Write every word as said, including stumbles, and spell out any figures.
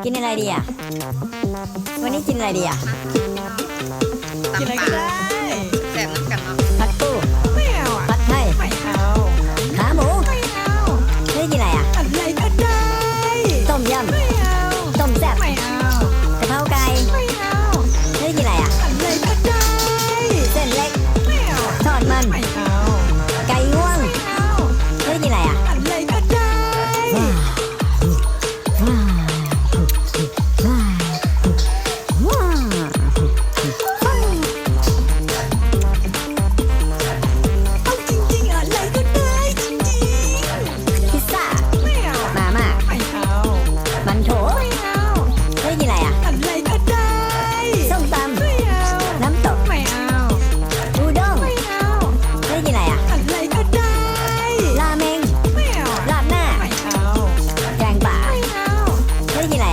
กินอะไรดีอ่ะวันนี้กินอะไรดีอ่ะกินอะไรก็ได้